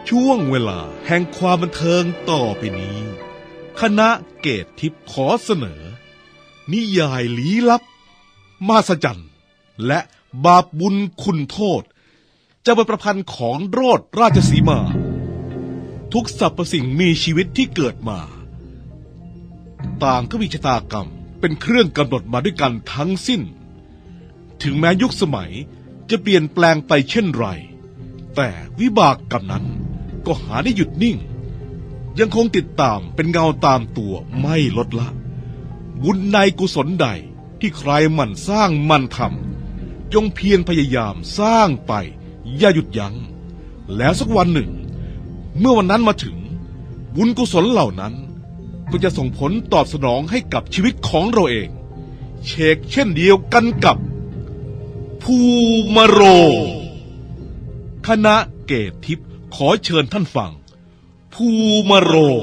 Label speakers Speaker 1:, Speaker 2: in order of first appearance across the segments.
Speaker 1: ช่วงเวลาแห่งความบันเทิงต่อไปนี้คณะเกตทิพย์ขอเสนอนิยายลี้ลับมหัศจรรย์และบาปบุญคุณโทษจะเป็นประพันธ์ของโรสราชสีมาทุกสรรพสิ่งมีชีวิตที่เกิดมาต่างก็มีชะตากรรมเป็นเครื่องกำหนดมาด้วยกันทั้งสิ้นถึงแม้ยุคสมัยจะเปลี่ยนแปลงไปเช่นไรแต่วิบากกรรมนั้นก็หาได้หยุดนิ่งยังคงติดตามเป็นเงาตามตัวไม่ลดละบุญในกุศลใดที่ใครหมั่นสร้างหมั่นทำจงเพียรพยายามสร้างไปอย่าหยุดยัง้งแล้วสักวันหนึ่งเมื่อวันนั้นมาถึงบุญกุศลเหล่านั้นก็จะส่งผลตอบสนองให้กับชีวิตของเราเองเชกเช่นเดียวกันกับภูมาโรงคณะเกตทิพย์ขอเชิญท่านฟังภูมาโรง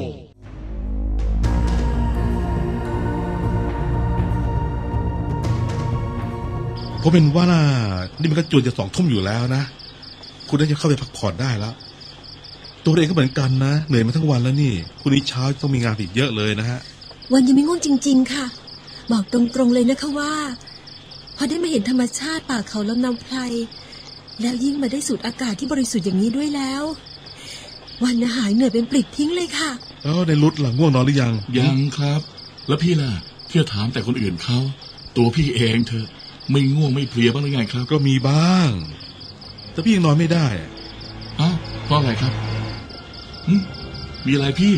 Speaker 2: ผมเป็นว่านี่มันก็จวนจะ20:00อยู่แล้วนะคุณน่าจะเข้าไปพักผ่อนได้แล้วตัวเองก็เหมือนกันนะเหนื่อยมาทั้งวันแล้วนี่คุณนี้เช้าต้องมีงานอีกเยอะเลยนะฮะ
Speaker 3: วันยังไม่ง่วงจริงๆค่ะบอกตรงๆเลยนะคะว่าพอได้มาเห็นธรรมชาติป่าเขาลำนำไพรแล้วยิ่งมาได้สูดอากาศที่บริสุทธิ์อย่างนี้ด้วยแล้ววันหายเหนื่อยเป็นปลิดทิ้งเลยค่ะ
Speaker 2: แล้วในรุดหลังง่วงนอนหรือยัง
Speaker 4: ยังครับแล้วพี่ล่ะเที่ยวถามแต่คนอื่นเขาตัวพี่เองเธอไม่ง่วงไม่เพลียบ้างหรือไงครับ
Speaker 2: ก็มีบ้างแต่พี่ยังนอนไม่ได้
Speaker 4: อ้าวเพราะอะไรครับมีอะไรพี่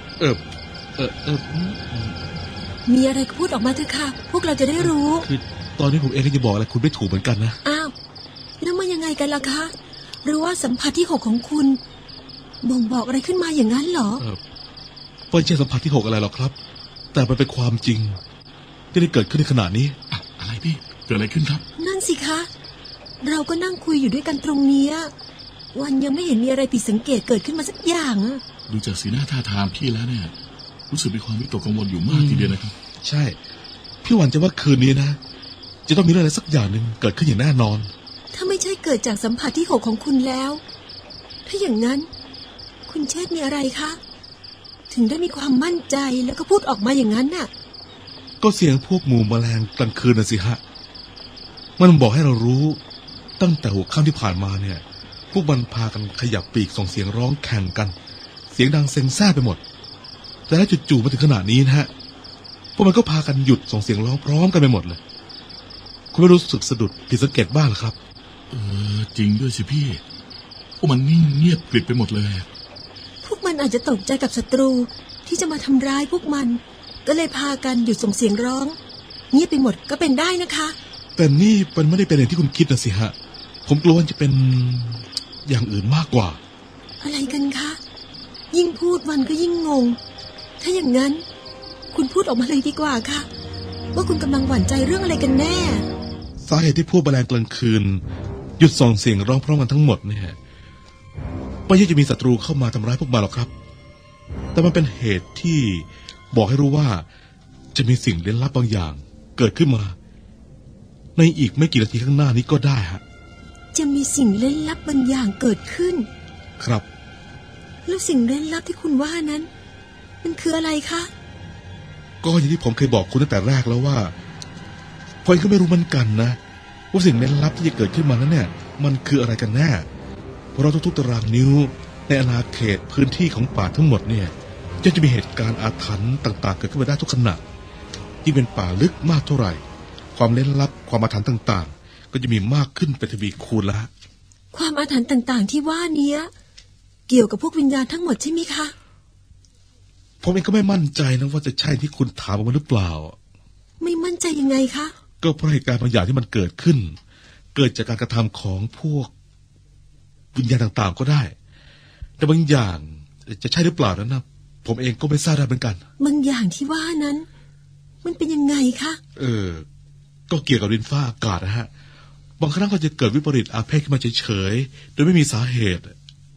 Speaker 3: มีอะไรพูดออกมาเถอะค่ะพวกเราจะได้รู้
Speaker 2: คือตอนนี้ผมเองก็จะบอกอะไรคุณไม่ถูกเหมือนกันนะ
Speaker 3: อ้าวแล้วมันยังไงกันล่ะคะหรือว่าสัมผัสที่6ของคุณบ่งบอกอะไรขึ้นมาอย่างนั้นเหรอ
Speaker 2: ไม่ใช่สัมผัสที่6อะไรหรอกครับแต่มันเป็นความจริงที่ได้เกิดขึ้นในขณะนี้
Speaker 4: อะไรพี่เกิดอะไรขึ้นครับ
Speaker 3: นั่นสิคะเราก็นั่งคุยอยู่ด้วยกันตรงนี้วันยังไม่เห็นมีอะไรผิดสังเกตเกิดขึ้นมาสักอย่าง
Speaker 4: ดูจากสีหน้าท่าทางพี่แล้วเนี่ยรู้สึกมีความวิตกกังวลอยู่มากทีเดียวนะครับ
Speaker 2: ใช่พี่หวันจะว่าคืนนี้นะจะต้องมีเรื่องอะไรสักอย่างหนึ่งเกิดขึ้นอย่างแน่นอน
Speaker 3: ถ้าไม่ใช่เกิดจากสัมผัสที่6ของคุณแล้วถ้าอย่างนั้นคุณเชษมีอะไรคะถึงได้มีความมั่นใจแล้วก็พูดออกมาอย่างนั้นน่ะ
Speaker 2: ก็เสียงพวกหมู่แมลงกลางคืนน่ะสิฮะมันบอกให้เรารู้ตั้งแต่หัวค่ำที่ผ่านมาเนี่ยพวกมันพากันขยับปีกส่งเสียงร้องแข่งกันเสียงดังเซ็งแซ่ไปหมดแต่แล้วจู่ๆมาถึงขนาดนี้นะฮะพวกมันก็พากันหยุดส่งเสียงร้องพร้อมกันไปหมดเลยคุณไม่รู้สึกสะดุดผิดสังเกตบ้างหรือครับ
Speaker 4: จริงด้วยสิพี่พวกมันนิ่งเงียบกริบไปหมดเลย
Speaker 3: พวกมันอาจจะตกใจกับศัตรูที่จะมาทำร้ายพวกมันก็เลยพากันหยุดส่งเสียงร้องเงียบไปหมดก็เป็นได้นะคะ
Speaker 2: แต่นี่มันไม่ได้เป็นอย่างที่คุณคิดนะสิฮะผมกลัวว่าจะเป็นอย่างอื่นมากกว่า
Speaker 3: อะไรกันคะยิ่งพูดมันก็ยิ่งงงถ้าอย่างนั้นคุณพูดออกมาเลยดีกว่าค่ะว่าคุณกำลังหวั่นใจเรื่องอะไรกันแน่
Speaker 2: สาเหตุที่พวกแมลงกลางคืนหยุดส่งเสียงร้องพร้อมกันทั้งหมดเนี่ยไม่ใช่จะมีศัตรูเข้ามาทำร้ายพวกมันหรอกครับแต่มันเป็นเหตุที่บอกให้รู้ว่าจะมีสิ่งลึกลับบางอย่างเกิดขึ้นมาในอีกไม่กี่นาทีข้างหน้านี้ก็ได้ฮะ
Speaker 3: จะมีสิ่งลึกลับบางอย่างเกิดขึ้น
Speaker 2: ครับ
Speaker 3: แล้วสิ่งลึกลับที่คุณว่านั้นมันคืออะไรคะ
Speaker 2: ก็อย่างที่ผมเคยบอกคุณตั้งแต่แรกแล้วว่าผมก็ไม่รู้เหมือนกันนะว่าสิ่งลึกลับที่จะเกิดขึ้นมานั้นเนี่ยมันคืออะไรกันแน่เพราะเราทุกๆตารางนิ้วในอาณาเขตพื้นที่ของป่าทั้งหมดเนี่ยจะมีเหตุการณ์อาถรรพ์ต่างๆเกิดขึ้นมาได้ทุกขณะที่เป็นป่าลึกมากเท่าไหร่ความลึกลับความอาถรรพ์ต่างๆก็จะมีมากขึ้นเป็นทวีคูณละ
Speaker 3: ความอาถรรพ์ต่างๆที่ว่านี้เกี่ยวกับพวกวิญญาณทั้งหมดใช่ไหมคะ
Speaker 2: ผมเองก็ไม่มั่นใจนะว่าจะใช่ที่คุณถามมาหรือเปล่า
Speaker 3: ไม่มั่นใจยังไงคะ
Speaker 2: ก็เพราะเหตุการณ์บางอย่างที่มันเกิดขึ้นเกิดจากการกระทำของพวกวิญญาณต่างๆก็ได้แต่บางอย่างจะใช่หรือเปล่านั้นนะผมเองก็ไม่ทราบได้เหมือนกัน
Speaker 3: บางอย่างที่ว่านั้นมันเป็นยังไงคะ
Speaker 2: ก็เกี่ยวกับดินฟ้าอากาศนะฮะบางครั้งก็จะเกิดวิปริตอาเพศขึ้นมาเฉยๆโดยไม่มีสาเหตุ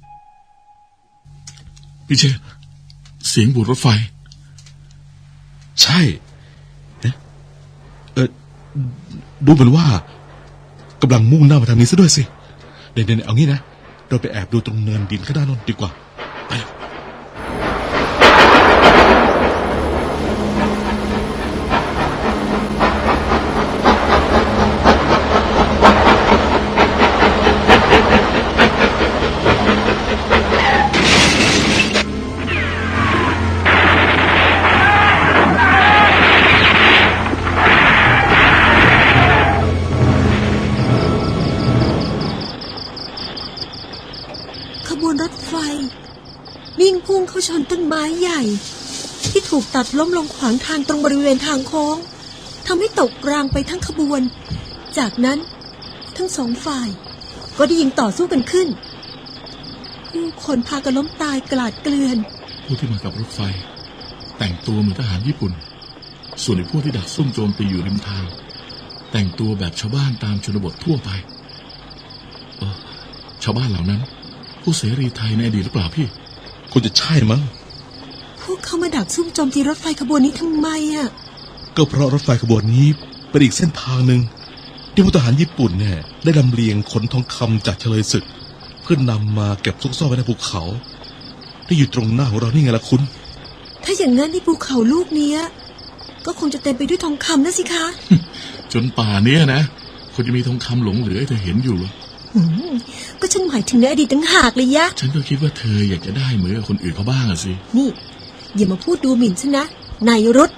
Speaker 4: พี่เชษเสียงบูดรถไฟ
Speaker 2: ใช่ดูเหมือนว่ากำลังมุ่งหน้ามาทางนี้ซะด้วยสิเดี๋ยวเอางี้นะเราไปแอบดูตรงเนินดินข้างหน้าโนนดีกว่าไป
Speaker 3: ขบวนรถไฟวิ่งพุ่งเข้าชนต้นไม้ใหญ่ ที่ถูกตัดล้มลงขวางทางตรงบริเวณทางโค้งทำให้ตกรางไปทั้งขบวน จากนั้นทั้งสองฝ่ายก็ได้ยิงต่อสู้กันขึ้นผู้คนพากันล้มตายกลาดเกลื่อน
Speaker 4: ผู้ที่มากับรถไฟ แต่งตัวเหมือนทหารญี่ปุ่น ส่วนไอ้พวกที่ดักซุ่มโจมตีอยู่ริมทาง แต่งตัวแบบชาวบ้านตามชนบททั่วไปชาวบ้านเหล่านั้น ผู้เสรีไทยในอดีตหรือเปล่าพี่
Speaker 2: คุณจะใช่มั้ง
Speaker 3: พวกเขามาดักซุ่มโจมตีรถไฟขบวนนี้ทำไมอ่ะ
Speaker 2: ก็เพราะรถไฟขบวนนี้เป็นอีกเส้นทางหนึ่งที่พลทหารญี่ปุ่นเนี่ยได้ลำเลียงขนทองคำจากเฉลยศึกเพื่อนำมาเก็บซุกซ่อนไว้ในภูเขาที่อยู่ตรงหน้าของเรานี่ไงล่ะคุณ
Speaker 3: ถ้าอย่างนั้นที่ภูเขาลูกเนี้ยก็คงจะเต็มไปด้วยทองคำนะสิคะ
Speaker 4: จนป่าเนี้ยนะคนจะมีทองคำหลงเหลือให้เธอเห็นอยู่เหรอ
Speaker 3: ก็ฉันหมายถึงในอดีตต่างหากเลยยะ
Speaker 4: ฉันก็คิดว่าเธออยากจะได้เหมือนกับคนอื่นเขาบ้างอะสิ
Speaker 3: นี่อย่ามาพูดดูหมิ่นฉันนะนายรุธ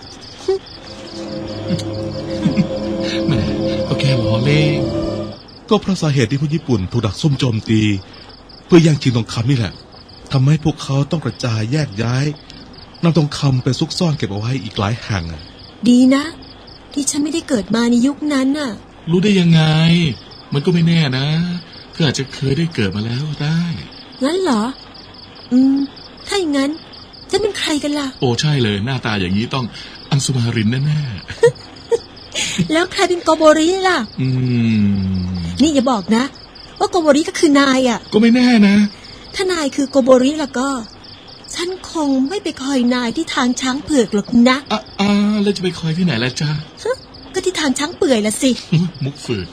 Speaker 4: แหมก็แค่ล้อเล่น
Speaker 2: ก็เพราะสาเหตุที่พวกญี่ปุ่นถูกดักซุ่มโจมตีเพื่อแย่งชิงทองคำนี่แหละทำให้พวกเขาต้องกระจายแยกย้ายนำทองคำไปซุกซ่อนเก็บเอาไว้อีกหลายแห่ง
Speaker 3: ดีนะ ที่ฉันไม่ได้เกิดมาในยุคนั้นน่ะ
Speaker 4: รู้ได้ยังไง มันก็ไม่แน่นะเธออาจจะเคยได้เกิดมาแล้วได้
Speaker 3: งั้นเหรอถ้าอย่างนั้นฉันเป็นใครกันล่ะ
Speaker 4: โอ้ใช่เลยหน้าตาอย่างนี้ต้องอังสุมารินแน่
Speaker 3: แล้วใครเป็นโกโบริล่ะ
Speaker 4: ๆ
Speaker 3: นี่อย่าบอกนะว่าโกโบริก็คือนายอ่ะ
Speaker 4: ก็ไม่แน่นะ
Speaker 3: ถ้านายคือโกโบริแล้วก็ ฉันคงไม่ไปคอยนายที่ทางช้างเผือกหรอกนะ
Speaker 4: แล้วจะไปคอยที่ไหนล่ะจ๊ะ
Speaker 3: ก็ที่ทางช้างเปื่อยละสิ
Speaker 4: มุกฝืน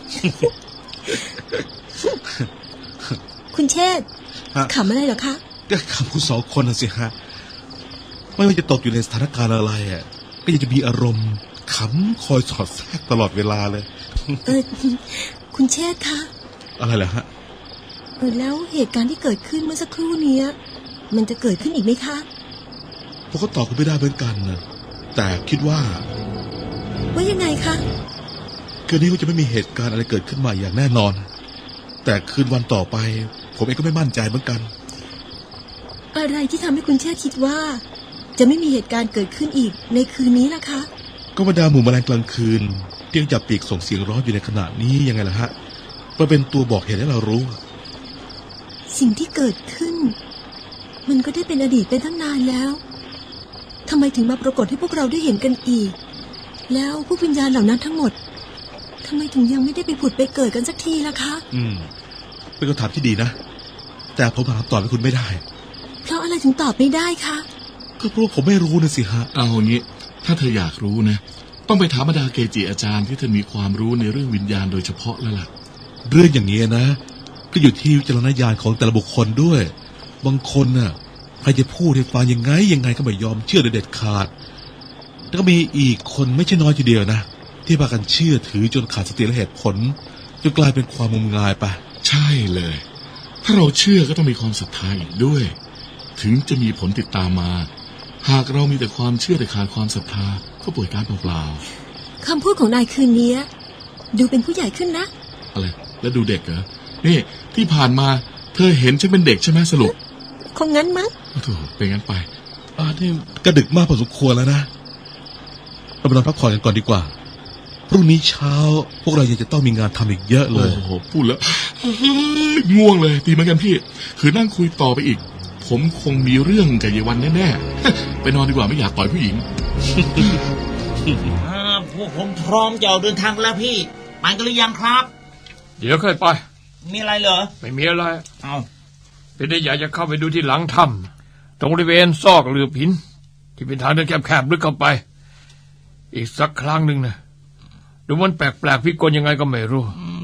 Speaker 3: คุณเชษฐ์
Speaker 2: ฮะ
Speaker 3: ขำอะไรเหรอคะ
Speaker 2: ก็คำคุณสองคนน่ะสิฮะไม่ว่าจะตกอยู่ในสถานการณ์อะไรก็ยังจะมีอารมณ์ขำคอยสอดแทรกตลอดเวลาเลย
Speaker 3: คุณเชษฐ์คะ
Speaker 2: อะไรเหรอฮะ
Speaker 3: แล้วเหตุการณ์ที่เกิดขึ้นเมื่อสักครู่เนี้ยมันจะเกิดขึ้นอีกไหมคะ
Speaker 2: ผมก็ตอบคุณไม่ได้เหมือนกันนะแต่คิดว่า
Speaker 3: ว่ายังไงคะ
Speaker 2: คืนนี้ก็จะไม่มีเหตุการณ์อะไรเกิดขึ้นมาอย่างแน่นอน แต่คืนวันต่อไป ผมเองก็ไม่มั่นใจเหมือนกัน
Speaker 3: อะไรที่ทำให้คุณเชษฐ์คิดว่า จะไม่มีเหตุการณ์เกิดขึ้นอีกในคืนนี้ล่ะคะ
Speaker 2: ก็บรรดาหมู่แมลงกลางคืนที่ยังจับปีกส่งเสียงร้องอยู่ในขณะนี้ยังไงล่ะฮะมันเป็นตัวบอกเหตุให้เรารู้
Speaker 3: สิ่งที่เกิดขึ้น มันก็ได้เป็นอดีตไปตั้งนานแล้วทำไมถึงมาปรากฏให้พวกเราได้เห็นกันอีก แล้วผู้วิญญาณเหล่านั้นทั้งหมดทำไมถึงยังไม่ได้ไปผุดไปเกิดกันสักทีล่ะคะ
Speaker 2: เป็นคำถามที่ดีนะ แต่ผมถามตอบให้คุณไม่ได้
Speaker 3: เพราะอะไรถึงตอบไม่ได้คะ
Speaker 2: ก็เพราะว่าผมไม่รู้นะสิฮะ
Speaker 4: เอางี้ ถ้าเธออยากรู้นะ ต้องไปถามบรรดาเกจิอาจารย์ที่เธอมีความรู้ในเรื่องวิญญาณโดยเฉพาะแล้วล่ะ
Speaker 2: เรื่องอย่างนี้นะก็อยู่ที่วิจารณญาณของแต่ละบุคคลด้วย บางคนน่ะใครจะพูดให้ฟังยังไงก็ไม่ยอมเชื่อโดยเด็ดขาดแล้วก็มีอีกคนไม่ใช่น้อยทีเดียวนะที่พากันเชื่อถือจนขาดสติและเหตุผลจนกลายเป็นความงมงายไป
Speaker 4: ใช่เลย ถ้าเราเชื่อก็ต้องมีความศรัทธาอีกด้วย ถึงจะมีผลติดตามมา หากเรามีแต่ความเชื่อแต่ขาดความศรัทธาก็ป่วยการเปล่า
Speaker 3: คำพูดของนายคืนนี้ดูเป็นผู้ใหญ่ขึ้นนะ
Speaker 4: ๆอะไรแล้วดูเด็กเหรอนี่ที่ผ่านมาเธอเห็นฉันเป็นเด็กใช่ไหมสรุป
Speaker 3: คงงั้นมั้ง
Speaker 4: โอ้โหเป็นงั้นไป
Speaker 2: นี่ก็ดึกมากพอสมควรแล้วนะเราไปนอนพักผ่อนกันก่อนดีกว่าพรุ่งนี้เช้าพวกเรายังจะต้องมีงานทำอีกเยอะเลย
Speaker 4: โอ้โหพูดแล้วง่วงเลยดีเหมือนกันพี่คือนั่งคุยต่อไปอีก ผมคงมีเรื่องกับยายวันแน่ๆ ไปนอนดีกว่าไม่อยากต่อยผู้หญิง
Speaker 5: พวกผมพร้อมจะออกเดินทางแล้วพี่ไปกันหรือยังครับ
Speaker 6: เดี๋ยวค่อยไป
Speaker 5: มีอะไรเหรอ
Speaker 6: ไม่มีอะไร
Speaker 5: เอา
Speaker 6: เป็นได้อยากจะเข้าไปดูที่หลังถ้ำตรงบริเวณซอกหลืบหินที่เป็นทางเดินแคบๆลึกเข้าไป อีกสักครั้งหนึ่งนะดูมันแปลกๆพิกลยังไงก็ไม่รู้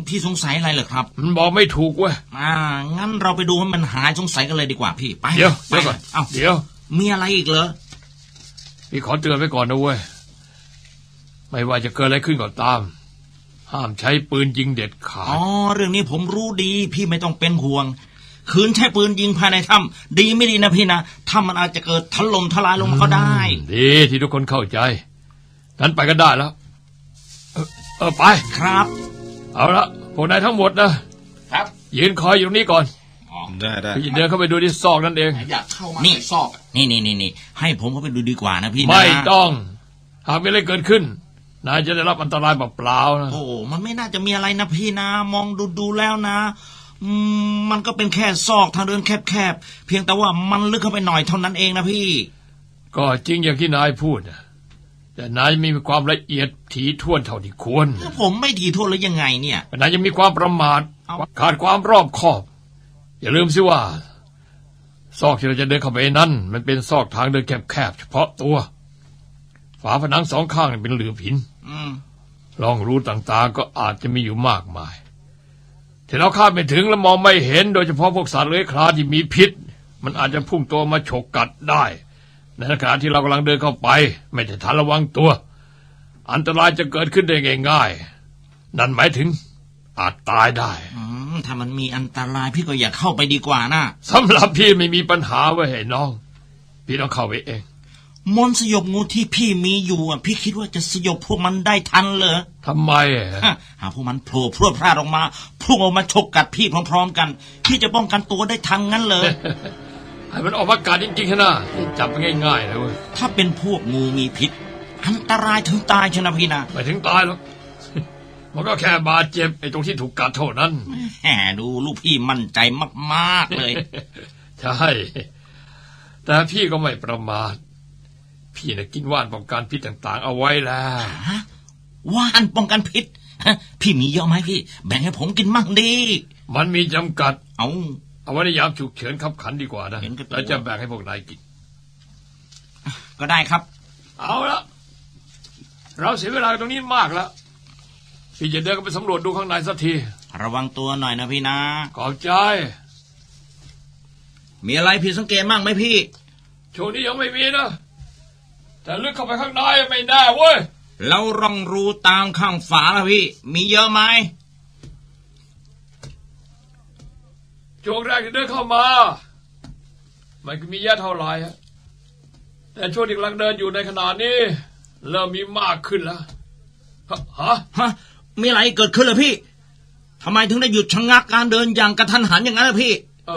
Speaker 5: พี่สงสัยอะไรเหรอครับ
Speaker 6: มันบอกไม่ถูกเว้ย
Speaker 5: งั้นเราไปดูให้มันหายสงสัยกันเลยดีกว่าพี่ไป
Speaker 6: เดี๋ยว
Speaker 5: ไป
Speaker 6: ก่อน
Speaker 5: เอ้า
Speaker 6: เดี๋ยว
Speaker 5: มีอะไรอีกเหรอ
Speaker 6: พี่ขอเตือนไว้ก่อนนะเว้ย ไม่ว่าจะเกิดอะไรขึ้นก็ตาม ห้ามใช้ปืนยิงเด็ดขาด
Speaker 5: เรื่องนี้ผมรู้ดีพี่ไม่ต้องเป็นห่วง คืนใช้ปืนยิงภายในถ้ำดีไม่ดีนะพี่นะถ้ำมันอาจจะเกิดถล่มทลายลงมาก็ได้
Speaker 6: ดีที่ทุกคนเข้าใจงั้นไปกันได้แล้ว ไป
Speaker 5: ครับ
Speaker 6: เอาละพวกนายทั้งหมดนะครับ ยืนคอยอยู่ตรงนี้ก่อน
Speaker 2: ได้
Speaker 6: พี่จะเดินเข้าไปดูที่ซอกนั่นเอง
Speaker 4: อยากเข้ามา
Speaker 5: นี่
Speaker 4: ในซอกอะ
Speaker 5: นี่ให้ผมเข้าไปดูดีกว่านะพี่นะ
Speaker 6: ไม่ต้อง หากมีอะไรเกิดขึ้น นายจะได้รับอันตรายเปล่าๆนะ
Speaker 5: โอ้มันไม่น่าจะมีอะไรนะพี่นะมองดูแล้วนะมันก็เป็นแค่ซอกทางเดินแคบๆเพียงแต่ว่ามันลึกเข้าไปหน่อยเท่านั้นเองนะพี่
Speaker 6: ก็จริงอย่างที่นายพูดนะแต่นายไม่มีความละเอียดถี่ถ้วนเท่าที่ควร
Speaker 5: ผมไม่ถี่ถ้วนหรือยังไงเนี่ย
Speaker 6: นายยังมีความประมาท
Speaker 5: เอ้า
Speaker 6: ขาดความรอบคอบ อย่าลืมสิว่า ซอกที่เราจะเดินเข้าไปนั้น มันเป็นซอกทางเดินแคบๆเฉพาะตัว ฝาผนังสองข้างเป็นหลือผิน
Speaker 5: อืม
Speaker 6: ร่องรูต่างๆก็อาจจะมีอยู่มากมายที่เราคาดไม่ถึงและมองไม่เห็นโดยเฉพาะพวกสัตว์เลื้อยคลานที่มีพิษ มันอาจจะพุ่งตัวมาฉกกัดได้ในขณะที่เรากำลังเดินเข้าไป ไม่ได้ทันระวังตัว อันตรายจะเกิดขึ้นได้ง่ายๆนั่นหมายถึงอาจตายได้
Speaker 5: ถ้ามันมีอันตรายพี่ก็อย่าเข้าไปดีกว่านะ
Speaker 6: สำหรับพี่ไม่มีปัญหาไว้ให้น้อง พี่ต้องเข้าไปเอง
Speaker 5: มนต์สยบงูที่พี่มีอยู่พี่คิดว่าจะสยบพวกมันได้ทันเหรอ
Speaker 6: ทำไม
Speaker 5: หากพวกมันโผล่พรวดพลาดออกมาพุ่งออกมาฉกกัดพี่พร้อมๆกันพี่จะป้องกันตัวได้ทันงั้นเลย
Speaker 6: ให้มันออกมากัดจริงๆนะจับง่ายๆเลยเว้ย
Speaker 5: ถ้าเป็นพวกงูมีพิษอันตรายถึงตายชนะพี่นะ
Speaker 6: ไม่ถึงตายหรอก มันก็แค่บาดเจ็บไอ้ตรงที่ถูกกัดเท่านั้น
Speaker 5: แหมดูลูกพี่มั่นใจมากๆเลย
Speaker 6: ใช่ แต่พี่ก็ไม่ประมาท พี่น่ะกินว่านป้องกันพิษต่างๆ เอาไว้แล้ว
Speaker 5: ว่านป้องกันพิษพี่มีเยอะไหมพี่ แบ่งให้ผมกินมั่งดี
Speaker 6: มันมีจำกัด
Speaker 5: เอา
Speaker 6: ไว้ในยามฉุกเฉินขับขันดีกว่านะ
Speaker 5: เห็นกับตัว
Speaker 6: แล้วจะแบ่งให้พวกนายกิน
Speaker 5: ก็ได้ครับ
Speaker 6: เอาละเราเสียเวลาตรงนี้มากแล้ว พี่จะเดินกันไปสำรวจดูข้างในสักที
Speaker 5: ระวังตัวหน่อยนะพี่นะ
Speaker 6: ขอบใจ
Speaker 5: มีอะไรผิดสังเกตมั่งไหมพี่
Speaker 6: ช่วงนี้ยังไม่มีนะ แต่ลึกเข้าไปข้างในไม่แน่เว้ย
Speaker 5: เราร่องรูตามข้างฝาละพี่ มีเยอะไหม
Speaker 6: ช่วงแรกที่เดินเข้ามา มันก็มีแย่เท่าไหร่ฮะแต่ช่วงที่กำลังเดินอยู่ในขณะนี้ เริ่มมีมากขึ้นแล้ว ฮะ
Speaker 5: มีอะไรเกิดขึ้นเหรอพี่ทำไมถึงได้หยุดชะงักการเดินอย่างกระทันหันอย่างนั้นล่ะพี่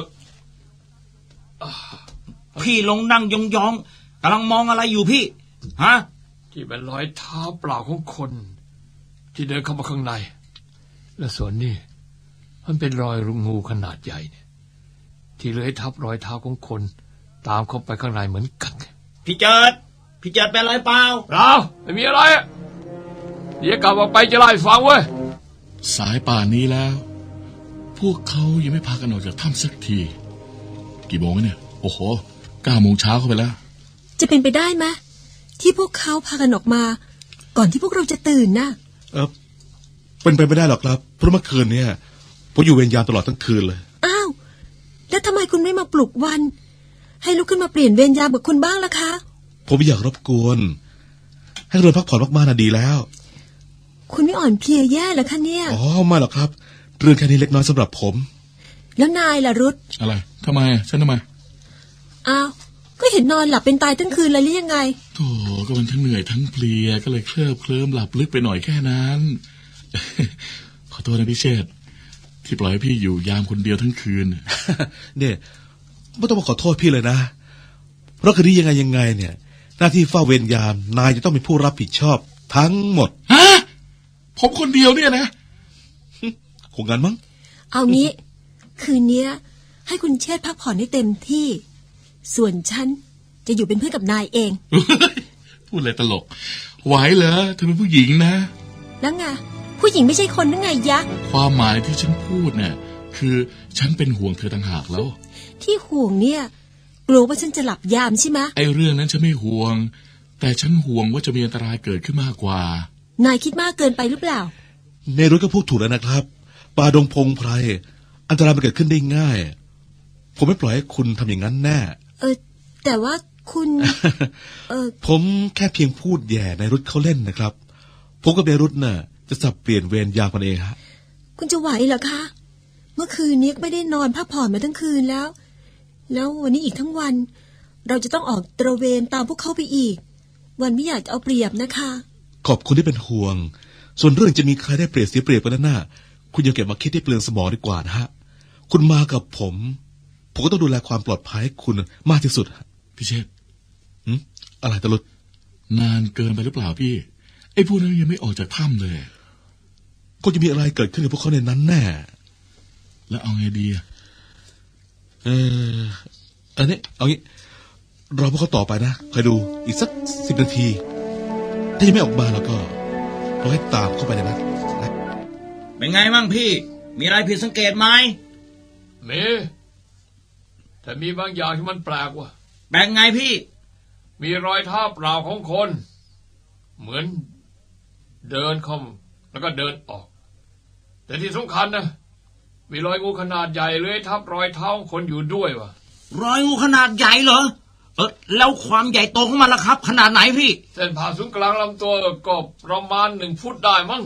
Speaker 5: พี่ลงนั่งยองๆกำลังมองอะไรอยู่พี่ ฮะ
Speaker 6: ที่เป็นรอยเท้าเปล่าของคน ที่เดินเข้ามาข้างใน และส่วนนี้มันเป็นรอยงูขนาดใหญ่เนี่ยที่เลื้อยทับรอยเท้าของคน ตามเข้าไปข้างในเหมือนกัน
Speaker 5: พี่เจิดเป็นอะไรเปล่า
Speaker 6: เราไม่มีอะไรอะเดี๋ยวกลับออกไปจะไล่าให้ฟังเว้ย
Speaker 4: สายป่านนี้แล้ว พวกเขายังไม่พากันออกจากถ้ำสักที กี่โมงแล้วเนี่ย โอ้โห9 โมงเช้าเข้าไปแล้ว
Speaker 3: จะเป็นไปได้ไหมที่พวกเขาพากันออกมา ก่อนที่พวกเราจะตื่นน่ะ
Speaker 2: เป็นไปไม่ได้หรอกครับ เพราะเมื่อคืนเนี่ยผมอยู่เวรยามตลอดทั้งคืนเลย
Speaker 3: อ้าว แล้วทำไมคุณไม่มาปลุกวัน ให้ลุกขึ้นมาเปลี่ยนเวรยามกับคุณบ้างล่ะคะ
Speaker 2: ผมไม่อยากรบกวน ให้เรือพักผ่อนมากๆน่ะดีแล้ว
Speaker 3: คุณไม่อ่อนเพลียแย่เหรอคะเนี่ย
Speaker 2: อ๋อไม่หรอกครับ เรื่องแค่นี้เล็กน้อยสำหรับผม
Speaker 3: แล้วนายล่ะรุธ
Speaker 4: อะไรทำไมฉันทำไม
Speaker 3: อ้าว ก็เห็นนอนหลับเป็นตายทั้งคืนเลยหรือยังไง
Speaker 4: โธ่ก็มันทั้งเหนื่อยทั้งเพลียก็เลยเคลิ้มหลับลึกไปหน่อยแค่นั้น ขอโทษนะพี่เชษฐ์ที่ปล่อยให้พี่อยู่ยามคนเดียวทั้งคืน
Speaker 2: เนี่ยไม่ต้องมาขอโทษพี่เลยนะ เพราะคืนนี้ยังไงเนี่ย หน้าที่เฝ้าเวรยามนายจะต้องเป็นผู้รับผิดชอบทั้งหมด
Speaker 4: ฮะผมคนเดียวเนี่ยนะ
Speaker 2: คงงั้นมั้ง
Speaker 3: เอางี้ คืนเนี้ย ให้คุณเชษฐ์พักผ่อนให้เต็มที่ ส่วนฉันจะอยู่เป็นเพื่อนกับนายเอง
Speaker 4: พูดอะไรตลก ไหวเหรอเธอเป็นผู้หญิงนะ
Speaker 3: แล้วไงผู้หญิงไม่ใช่คนนั่งไงยะ
Speaker 4: ความหมายที่ฉันพูดเนี่ยคือฉันเป็นห่วงเธอต่างหากแล้ว
Speaker 3: ที่ห่วงเนี่ยกลัวว่าฉันจะหลับยามใช่ไหม
Speaker 4: ไอ้เรื่องนั้นฉันไม่ห่วง แต่ฉันห่วงว่าจะมีอันตรายเกิดขึ้นมากกว่า
Speaker 3: นายคิดมากเกินไปหรือเปล่า
Speaker 2: ในรถก็พูดถูกแล้วนะครับป่าดงพงไพรอันตรายมันเกิดขึ้นได้ง่าย ผมไม่ปล่อยให้คุณทำอย่างนั้นแน่
Speaker 3: แต่ว่าคุณ
Speaker 2: ผมแค่เพียงพูดแย่ในรุธเขาเล่นนะครับ ผมกับในรุธน่ะจะสับเปลี่ยนเวรยามกันเองฮะ
Speaker 3: คุณจะไหวเหรอคะ เมื่อคืนนี้ไม่ได้นอนพักผ่อนมาทั้งคืนแล้ว แล้ววันนี้อีกทั้งวัน เราจะต้องออกตระเวนตามพวกเขาไปอีก วันไม่อยากจะเอาเปรียบนะคะ
Speaker 2: ขอบคุณที่เป็นห่วง ส่วนเรื่องจะมีใครได้เปรียบเสียเปรียบกันนั้นน่ะคุณอย่าเก็บมาคิดที่เปลืองสมองดีกว่านะฮะ คุณมากับผมก็ต้องดูแลความปลอดภัยให้คุณมากที่สุด
Speaker 4: พี่เชษฐ์
Speaker 2: อะไรตะลุด
Speaker 4: นานเกินไปหรือเปล่าพี่ ไอ้พวกนั้นยังไม่ออกจากถ้ำเลย
Speaker 2: ก็จะมีอะไรเกิดขึ้นกับพวกเขาในนั้นแน่
Speaker 4: แล้วเอาไงดีอะ
Speaker 2: อันนี้เอางี้รอพวกเขาต่อไปนะคอยดูอีกสัก10 นาที ถ้ายังไม่ออกมาแล้วก็เราให้ตามเข้าไปในนั้นนะ
Speaker 5: เป็นไงมั่งพี่ มีอะไรผิดสังเกตไหม
Speaker 6: มีแต่มีบางอย่างที่มันแปลกว่ะ
Speaker 5: แปลกไงพี่
Speaker 6: มีรอยเท้าเปล่าของคน เหมือนเดินเข้าแล้วก็เดินออก แต่ที่สำคัญนะมีรอยงูขนาดใหญ่เลื้อยทับรอยเท้าของคนอยู่ด้วยว่ะ
Speaker 5: รอยงูขนาดใหญ่เหรอ แล้วความใหญ่โตของมันล่ะครับ ขนาดไหนพี่
Speaker 6: เส้นผ่าศูนย์กลางลำตัวก็ประมาณ1 ฟุตได้มั้ง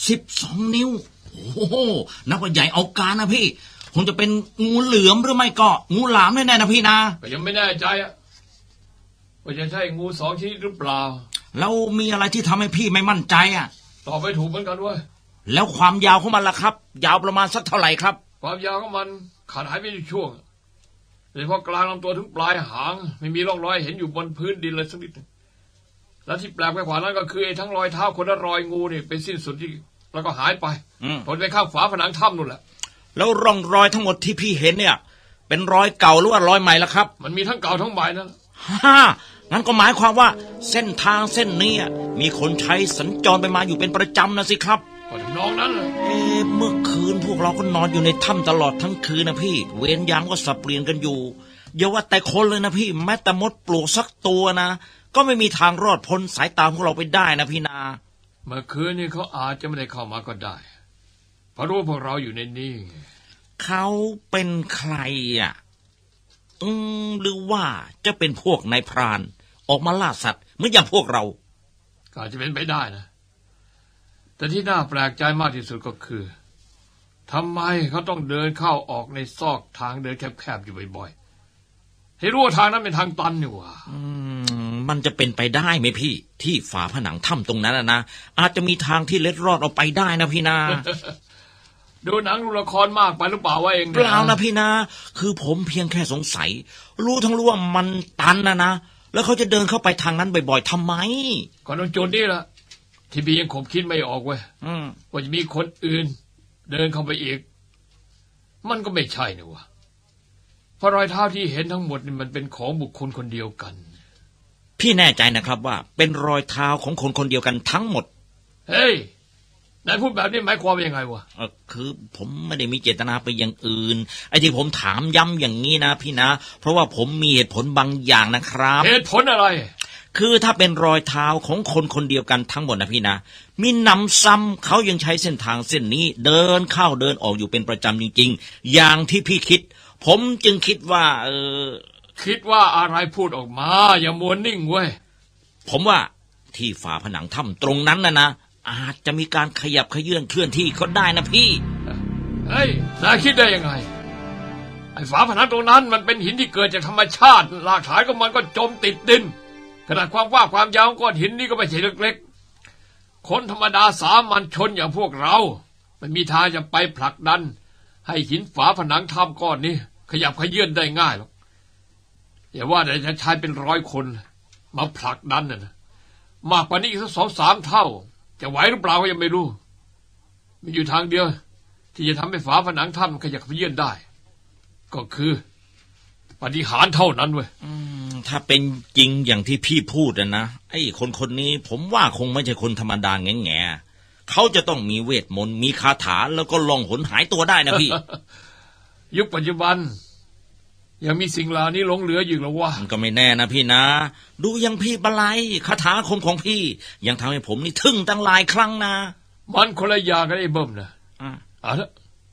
Speaker 5: 12 นิ้ว โอ้โหนับว่าใหญ่เอาการนะพี่คงจะเป็นงูเหลือมหรือไม่ก็งูหลามแน่ๆนะพี่นะ
Speaker 6: ก็ยังไม่แน่ใจอะว่าจะใช่งู2 ชนิดหรือเปล่า
Speaker 5: แล้วมีอะไรที่ทำให้พี่ไม่มั่นใจอ่ะ
Speaker 6: ตอบไม่ถูกเหมือนกันเว้ย
Speaker 5: แล้วความยาวของมันล่ะครับ ยาวประมาณสักเท่าไหร่ครับ
Speaker 6: ความยาวของมันขาดหายไปอยู่ช่วงโดยเฉพาะกลางลำตัวถึงปลายหางไม่มีร่องรอยเห็นอยู่บนพื้นดินเลยสักนิดหนึ่งและที่แปลกไปกว่านั้นก็คือไอ้ทั้งรอยเท้าคนและรอยงูนี่เป็นสิ้นสุดที่แล้วก็หายไปผลไปข้างฝาผนังถ้ำนู่นแหละ
Speaker 5: แล้วร่องรอยทั้งหมดที่พี่เห็นเนี่ย เป็นรอยเก่าหรือว่ารอยใหม่ล่ะครับ
Speaker 6: มันมีทั้งเก่าทั้งใหม่นั่นแหละ
Speaker 5: งั้นก็หมายความว่าเส้นทางเส้นนี้มีคนใช้สัญจรไปมาอยู่เป็นประจำนะสิครับ
Speaker 6: ก็ถึงน้องนั้นแหละ
Speaker 5: เมื่อคืนพวกเราก็นอนอยู่ในถ้ำตลอดทั้งคืนนะพี่ เวรยามก็สับเปลี่ยนกันอยู่อย่าว่าแต่คนเลยนะพี่แม้แต่มดปลวกสักตัวนะก็ไม่มีทางรอดพ้นสายตาพวกเราไปได้นะพี่นา
Speaker 6: เมื่อคืนนี่เขาอาจจะไม่ได้เข้ามาก็ได้เพราะรู้ว่าพวกเราอยู่ในนี้
Speaker 5: เขาเป็นใครอ่ะหรือว่าจะเป็นพวกนายพรานออกมาล่าสัตว์เหมือนอย่างพวกเรา
Speaker 6: ก็อาจจะเป็นไปได้นะแต่ที่น่าแปลกใจมากที่สุดก็คือทำไมเขาต้องเดินเข้าออกในซอกทางเดินแคบๆอยู่บ่อยๆให้รู้ว่าทางนั้นเป็นทางตันนี่หว่า
Speaker 5: มันจะเป็นไปได้ไหมพี่ ที่ฝาผนังถ้ำตรงนั้นนะอาจจะมีทางที่เล็ดรอดออกไปได้นะพี่นา
Speaker 6: ดูหนังดูละครมากไปหรือเปล่าว่าเอง
Speaker 5: เปล่านะพี่นาคือผมเพียงแค่สงสัยรู้ว่ามันตันนะแล้วเขาจะเดินเข้าไปทางนั้นบ่อยๆทำไม
Speaker 6: ก่อนตรงจุดนี้ละที่พี่ยังคงคิดไม่ออกเว้ยว่าจะมีคนอื่นเดินเข้าไปอีกมันก็ไม่ใช่นี่วะเพราะรอยเท้าที่เห็นทั้งหมดนี่มันเป็นของบุคคลคนเดียวกัน
Speaker 5: พี่แน่ใจนะครับว่าเป็นรอยเท้าของคนคนเดียวกันทั้งหมด
Speaker 6: เฮ้ยนายพูดแบบนี้หมายความว่ายังไงวะ
Speaker 5: คือผมไม่ได้มีเจตนาไปอย่างอื่นไอ้ที่ผมถามย้ำอย่างนี้นะพี่นะเพราะว่าผมมีเหตุผลบางอย่างนะครับ
Speaker 6: เหตุผลอะไร
Speaker 5: คือถ้าเป็นรอยเท้าของคนคนเดียวกันทั้งหมดนะพี่นะมีนำซ้ำเขายังใช้เส้นทางเส้นนี้เดินเข้าเดินออกอยู่เป็นประจำจริงๆอย่างที่พี่คิดผมจึงคิดว่า
Speaker 6: คิดว่าอะไรพูดออกมาอย่ามัวนิ่งเว้ย
Speaker 5: ผมว่าที่ฝาผนังถ้ำตรงนั้นนะอาจจะมีการขยับเขยื่อนเคลื่อนที่ก็ได้นะพี่
Speaker 6: เฮ้ยนายคิดได้ยังไงไอ้ฝาผนังตรงนั้นมันเป็นหินที่เกิดจากธรรมชาติหลักฐานของมันก็จมติดดินขนาดความกว้างความยาวของก้อนหินนี่ก็ไม่ใช่เล็กๆคนธรรมดาสามัญชนอย่างพวกเราไม่มีทางจะไปผลักดันให้หินฝาผนังถ้ำก้อนนี้ขยับเขยื่อนได้ง่ายหรอกอย่าว่าแต่จะใช้เป็น100 คนมาผลักดันนะมากกว่านี้อีกสัก2-3 เท่าจะไหวหรือเปล่าก็ยังไม่รู้มีอยู่ทางเดียวที่จะทำให้ฝาผนังถ้ำขยับเขยื่อนได้ก็คือปาฏิหาริย์เท่านั้นเว้ย
Speaker 5: ถ้าเป็นจริงอย่างที่พี่พูดนะไอ้คนนี้ผมว่าคงไม่ใช่คนธรรมดาแง่ๆเขาจะต้องมีเวทมนต์มีคาถาแล้วก็ล่องหนหายตัวได้นะพี่
Speaker 6: ยุคปัจจุบันยังมีสิ่งเหล่านี้หลงเหลืออยู่หรอวะ
Speaker 5: มันก็ไม่แน่นะพี่นะดูยังพี่บาลัยคาถาคมของพี่ยังทำให้ผมนี่ทึ่งตั้งหลายครั้งนะ
Speaker 6: มันคนละอย่างกันไอ้เบิ่มนะเอาละ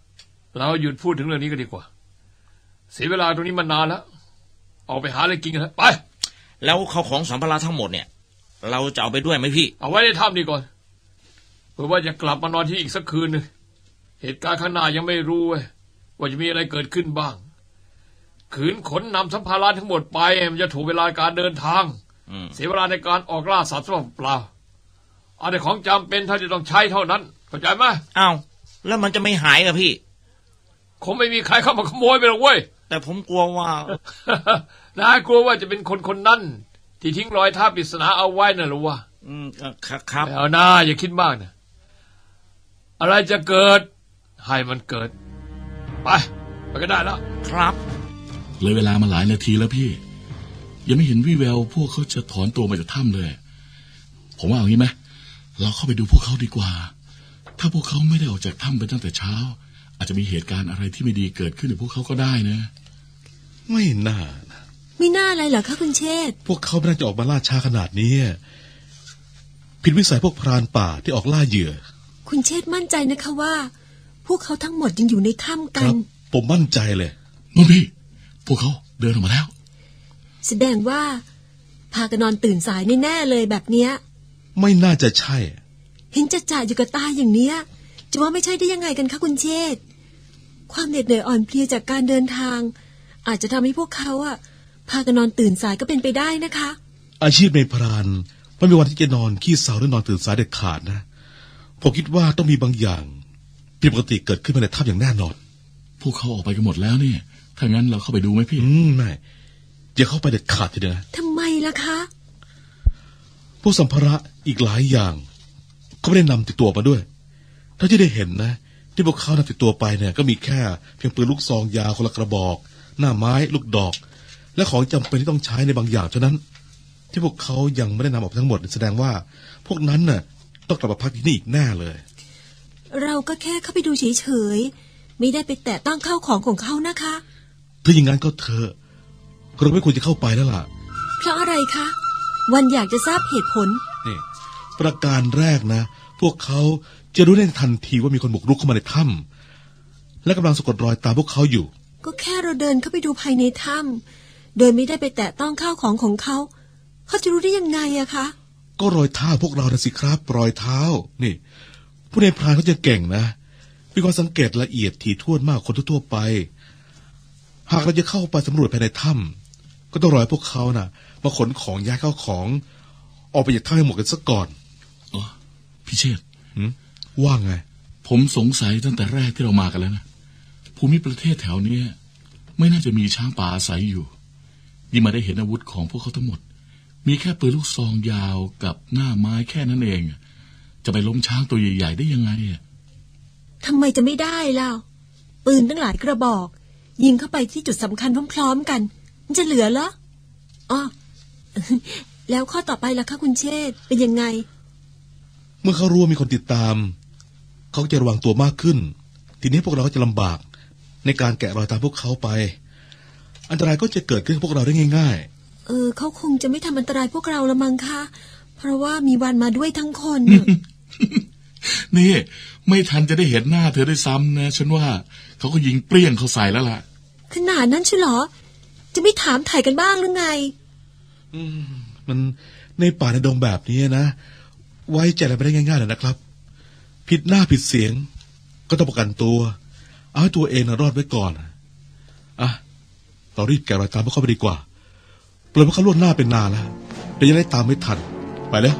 Speaker 6: เราหยุดพูดถึงเรื่องนี้กันดีกว่าเสียเวลาตรงนี้มานานแล้วออกไปหาอะไรกินกันเถอะไป
Speaker 5: แล้วเขาของสัมภาระทั้งหมดเนี่ย เราจะเอาไปด้วยไหมพี่
Speaker 6: เอาไว้ในถ้ำนี่ก่อนเผื่อว่าจะกลับมานอนที่อีกสักคืนหนึ่งเหตุการณ์ข้างหน้ายังไม่รู้เว้ยว่าจะมีอะไรเกิดขึ้นบ้างขืนขนนำสัมภาระทั้งหมดไปมันจะถูกเวลาการเดินทางเสียเวลาในการออกล่าสัตว์เปล่าเอาแต่ของจำเป็นถ้าจะต้องใช้เท่านั้นเข้าใจไหม
Speaker 5: อ้าวแล้วมันจะไม่หายเหรอพี่
Speaker 6: คงไม่มีใครเข้ามาขโมยไปหรอกเว้ย
Speaker 5: แต่ผมกลัวว่า
Speaker 6: น่ากลัวว่าจะเป็นคนนั้นที่ทิ้งรอยเท้าปริศนาเอาไว้น่ะหรือวะ
Speaker 5: ครับ
Speaker 6: ไม่เอาหน้าอย่าคิดมากนะอะไรจะเกิดให้มันเกิดไปก็ได้แล้ว
Speaker 5: ครับ
Speaker 4: เลยเวลามาหลายนาทีแล้วพี่ ยังไม่เห็นวี่แววพวกเขาจะถอนตัวมาจากถ้ำเลย ผมว่าเอางี้ไหมเราเข้าไปดูพวกเขาดีกว่า ถ้าพวกเขาไม่ได้ออกจากถ้ำไปตั้งแต่เช้า อาจจะมีเหตุการณ์อะไรที่ไม่ดีเกิดขึ้นกับพวกเขาก็ได้นะ
Speaker 2: ไม่น่านะ
Speaker 3: ไม่น่าอะไรเหรอคะคุณเชษฐ์
Speaker 2: พวกเขาไม่น่าจะออกมาล่าช้าขนาดนี้ผิดวิสัยพวกพรานป่าที่ออกล่าเหยื่อ
Speaker 3: คุณเชษฐ์มั่นใจนะคะว่า พวกเขาทั้งหมดยังอยู่ในถ้ำ
Speaker 2: ค
Speaker 3: กั
Speaker 2: รั
Speaker 3: น
Speaker 2: บ ผมมั่นใจเลย
Speaker 4: นู่นพี่ พวกเขาเดินออกมาแล้ว
Speaker 3: แสดงว่าพากันนอนตื่นสายแน่ๆเลยแบบเนี้ย
Speaker 2: ไม่น่าจะใช่
Speaker 3: เห็นจะจ่าอยู่กับตาอย่างเนี้ยจะว่าไม่ใช่ได้ยังไงกันคะคุณเชษฐ์ความเหน็ดเหนื่อยอ่อนเพลียจากการเดินทาง อาจจะทำให้พวกเขาพากันนอนตื่นสายก็เป็นไปได้นะคะ
Speaker 2: อาชีพในพรานไม่มีวันที่จะนอนขี้เศร้าหรือนอนตื่นสายเด็ดขาดนะผมคิดว่าต้องมีบางอย่างผิดปกติเกิดขึ้นมาในถ้ำอย่างแน่นอน
Speaker 4: พวกเขาออกไปกันหมดแล้วเนี่ย ถ้างั้นเราเข้าไปดูไหมพี่
Speaker 2: ไม่อย่าเข้าไปเด็ดขาดทีเดียวนะ
Speaker 3: ทำไมล่ะคะ
Speaker 2: พวกสัมภาระอีกหลายอย่างเขาไม่ได้นำติดตัวมาด้วยเท่าที่ได้เห็นนะที่พวกเขานำติดตัวไปเนี่ยก็มีแค่เพียงปืนลูกซองยาวคนละกระบอก หน้าไม้ลูกดอก และของจำเป็นที่ต้องใช้ในบางอย่างเท่านั้น ที่พวกเขายังไม่ได้นำออกทั้งหมดแสดงว่าพวกนั้นน่ะต้องกลับมาพักที่นี่อีกแน่เลย
Speaker 3: เราก็แค่เข้าไปดูเฉยๆไม่ได้ไปแตะต้องข้าวของของเขานะคะ
Speaker 2: ถ้าอย่างนั้นก็เถอะเราไม่ควรจะเข้าไปแล้วล่ะ
Speaker 3: เพราะอะไรคะวันอยากจะทราบเหตุผล
Speaker 2: นี่ประการแรกนะ พวกเขาจะรู้ได้ทันทีว่ามีคนบุกรุกเข้ามาในถ้ำและกำลังสะกดรอยตามพวกเขาอยู่
Speaker 3: ก็แค่เราเดินเข้าไปดูภายในถ้ำโดยไม่ได้ไปแตะต้องข้าวของของเขาเขาจะรู้ได้ยังไงอะคะ
Speaker 2: ก็รอยเท้าพวกเรานะสิครับรอยเท้านี่ ผู้ในพรานเขาจะเก่งนะมีความสังเกตละเอียดถี่ถ้วนมากคนทั่วๆไป หากเราจะเข้าไปสำรวจภายในถ้ำก็ต้องรอให้พวกเขาน่ะมาขนของย้ายเข้าของ ออกไปจากถ้ำให้หมดกันซะก่อน
Speaker 4: อ๋อ พี่เชษฐ์
Speaker 2: ว่าไง
Speaker 4: ผมสงสัยตั้งแต่แรกที่เรามากันแล้วนะภูมิประเทศแถวเนี้ยไม่น่าจะมีช้างป่าอาศัยอยู่ยิ่งมาได้เห็นอาวุธของพวกเขาทั้งหมด มีแค่ปืนลูกซองยาวกับหน้าไม้แค่นั้นเองจะไปล้มช้างตัวใหญ่ๆได้ยังไงอ่ะ
Speaker 3: ทำไมจะไม่ได้ล่ะปืนตั้งหลายกระบอก ยิงเข้าไปที่จุดสำคัญพร้อมๆกันมันจะเหลือเหรออ๋อ แล้วข้อต่อไปล่ะคะคุณเชษฐ์เป็นยังไง
Speaker 2: เมื่อเขารู้ว่ามีคนติดตาม เขาก็จะระวังตัวมากขึ้น ทีนี้พวกเราก็จะลำบากในการแกะรอยตามพวกเขาไป อันตรายก็จะเกิดขึ้นกับพวกเราได้ง่าย
Speaker 3: เขาคงจะไม่ทำอันตรายพวกเราละมั้งคะเพราะว่ามีวันมาด้วยทั้งคน
Speaker 4: นี่ไม่ทันจะได้เห็นหน้าเธอได้ซ้ำนะฉันว่าเขาก็ยิงเปรี้ยงเขาใส่แล้วล่ะ
Speaker 3: ขนาดนั้นใช่เหรอจะไม่ถามถ่ายกันบ้างหรือไง
Speaker 2: มันในป่าในดงแบบนี้นะ ไว้ใจอะไรไม่ได้ง่ายๆเลยนะครับ ผิดหน้าผิดเสียง ก็ต้องประกันตัว เอาให้ตัวเองรอดไว้ก่อนอ่ะเรารีบแกะรอยตามพวกเขาไปดีกว่าปล่อยพวกเขาล่วงหน้าเป็นนานแล้วเดี๋ยวจะได้ตามไม่ทันไปแล้ว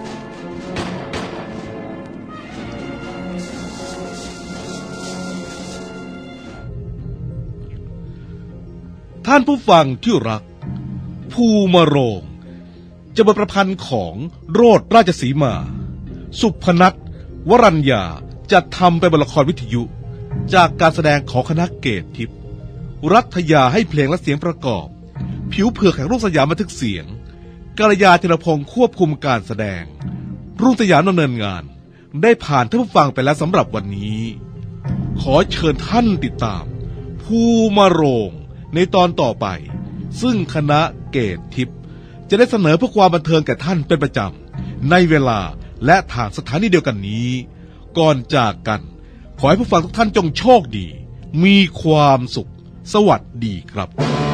Speaker 1: ท่านผู้ฟังที่รัก ภูมาโรง จะบทประพันธ์ของโรดราชสีมา สุพนัทวรัญญาจะทำเป็นบทละครวิทยุ จากการแสดงของคณะเกตทิพย์รัฐยาให้เพลงและเสียงประกอบ ผิวเผือกแห่งรุ่งสยามบันทึกเสียงกัลยาธีรพงศ์ควบคุมการแสดง รุ่งสยามดำเนินงาน ได้ผ่านท่านผู้ฟังไปแล้วสำหรับวันนี้ ขอเชิญท่านติดตาม ภูมาโรง ในตอนต่อไป ซึ่งคณะเกตทิพย์จะได้เสนอเพื่อความบันเทิงแก่ท่านเป็นประจำในเวลาและทางสถานีเดียวกันนี้ ก่อนจากกัน ขอให้ผู้ฟังทุกท่านจงโชคดีมีความสุข สวัสดีครับ